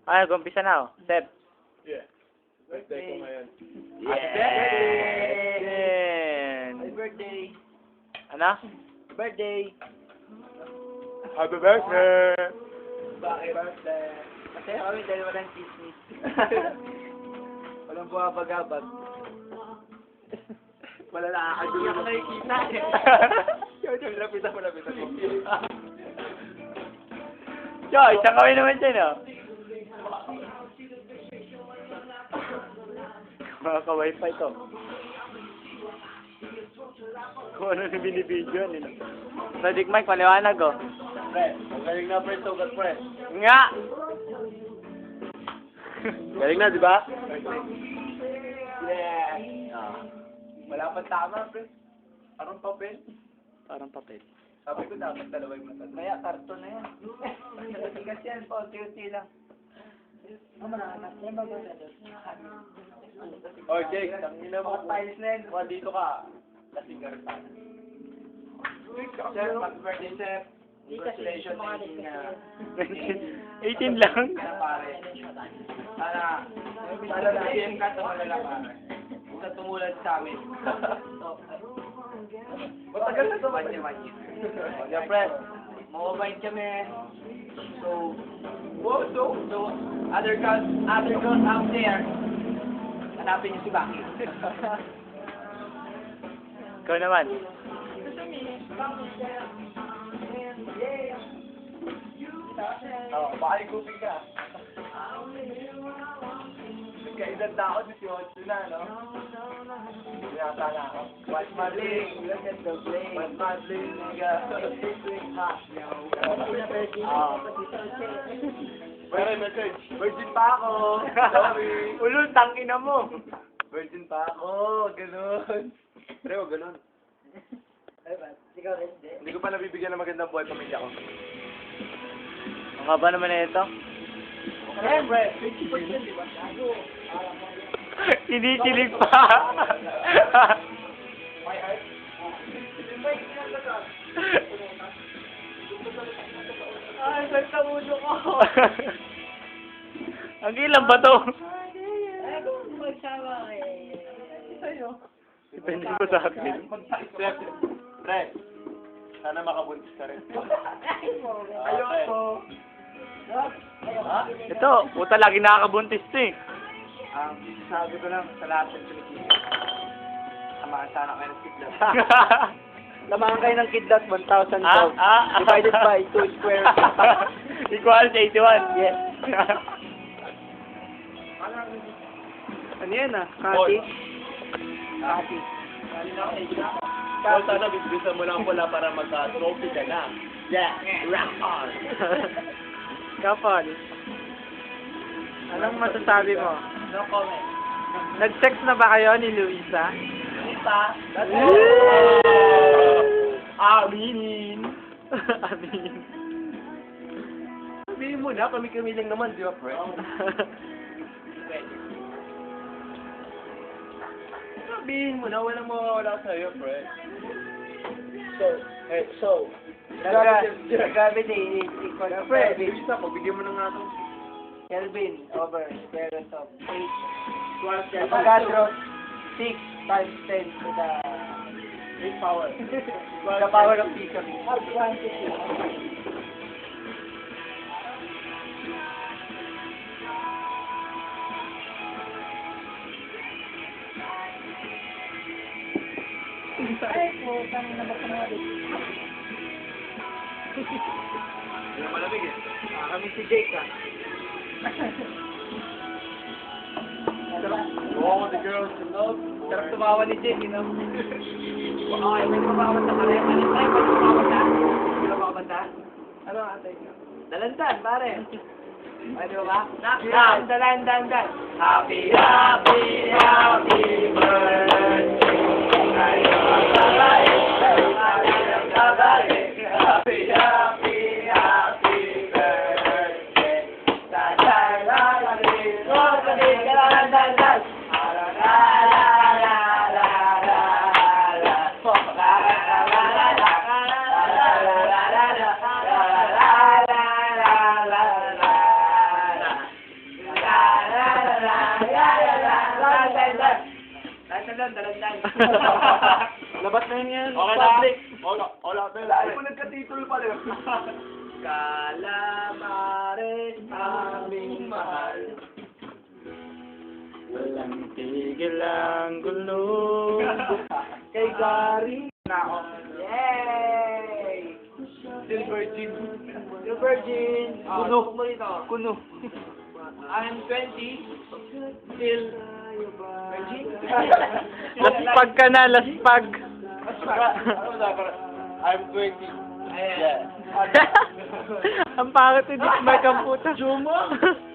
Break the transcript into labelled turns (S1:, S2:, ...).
S1: Ay, gumpisa na, oh. Step.
S2: Yeah. Birthday ko ngayon.
S1: Happy
S3: birthday.
S1: Ano?
S3: Birthday.
S2: Happy birthday!
S3: Bakit? Birthday. Kasi kami dahil walang chismis. Walang buwabagabag. Wala nakakadulo. Hindi ako nakikita eh. Yung lapitan mo.
S1: Yo, isang kami naman dyan, oh. Mga ka-wifi to. Kung ano na binibidyo, nila. So, Dick Mike, paliwanag, oh.
S2: Pre, ang galing na pre, sugat pre.
S1: Nga!
S2: Galing na, di ba?
S3: Yeah. Wala pang tama, pre. Parang papel.
S1: Parang papel.
S3: Sabi ko dapat dalawa yung mata. Kaya karton na yan. Matigas yan po, unti-unti lang.
S2: Oh, Jake, tangina mo.
S3: Mga tiles na yan. Kung dito ka, lasing ka rin pa. Sir, happy birthday, sir. Congratulations sa inyo na
S1: 18 lang.
S3: pare. Sana na-PM ka ito malala pare. Huwag ka tumulad sa amin. Matagal na ito. Manya.
S2: Kaya pre,
S3: Mababait kami. So, other girls out there, hanapin niyo si Baki.
S1: Ikaw naman.
S3: Baka igupin ka. Kaedad na ako, 18 na, no? Yata na ako. What's my ling? Look at the bling. What's my bling, nigga?
S2: pre, message. Virgin pa ako. Sorry.
S1: Ulul, tangina mo.
S2: Virgin pa ako. Ganun. Pre, wag ganun. Hindi ko pa nabibigyan ng magandang buhay pamilya ko.
S1: Ang haba naman na ito.
S3: Siyempre, 50% di ba?
S1: Kinikilig pa.
S3: My heart. Ay, basta ulo ko.
S1: Ang ilan ba to?
S3: Ay, kung magsawa eh. Sa'yo.
S1: Depende po sa akin.
S2: Step, pre, sana makabuntis ka rin.
S3: Ayoko.
S2: Ha?
S1: Ito, puta lagi nakakabuntis to eh.
S3: Sabi ko lang sa lahat ng Pilipino. Samahan sana kayo ng kidlat. Samahan kayo ng kidlat, 1,000 pounds. Divided by 2 square.
S1: Equals 81.
S3: Yes. Ano yan ah?
S2: Kati?
S3: Kati.
S2: Paul, sana bibisan mo lang pula para magka-trophy ka na. Yeah, rock on!
S1: Kapal. Anong masasabi mo?
S3: No comment.
S1: Nag-sex na ba kayo ni Luisa?
S3: Hindi pa.
S2: Aminin!
S1: Amin.
S2: Sabihin mo na, kami-kami lang naman, di ba, pre? Sabihin mo na, walang mawawala sa'yo, pre. So,
S3: Grabe din. Equal to
S2: pre,
S3: Kelvin.
S2: Luisa, pagbigyan mo na nga ito.
S3: Kelvin over square root of 8.
S2: 12
S3: Avogadro 6 times 10 to the
S2: Great power.
S3: the power of theory. Ay, putang na ba kumabit?
S2: Hindi na malamig eh.
S3: Kami si Jake ah.
S2: All the girls in love.
S3: Sarap tumawa ni Jake, you know? Okay, may tumawa sa kare. Ano tayo? Pag tumawa na? Hindi na makabanta? Ano ang atay nyo? Dalandan, pare. Ano ba? Dalandan. Happy, happy, happy birthday. Ngayon babalik. Happy, happy, happy birthday. lang, dalandan.
S1: Labas na yun yan.
S2: Okay na. Wala pa yun.
S3: Dahil mo nagka-titulo pala. Calamares, aming mahal.
S1: Walang tigil ang gulo.
S3: Kay Gary na ako. Yay! Still virgin. Still virgin.
S1: Kuno.
S3: Mo rito.
S1: Kuno.
S3: I'm 20. Still virgin.
S1: Laspag ka na, laspag.
S2: I'm 20.
S3: Ayan.
S1: Ang pangit ni Dick Mike ang puta.
S3: Jumo?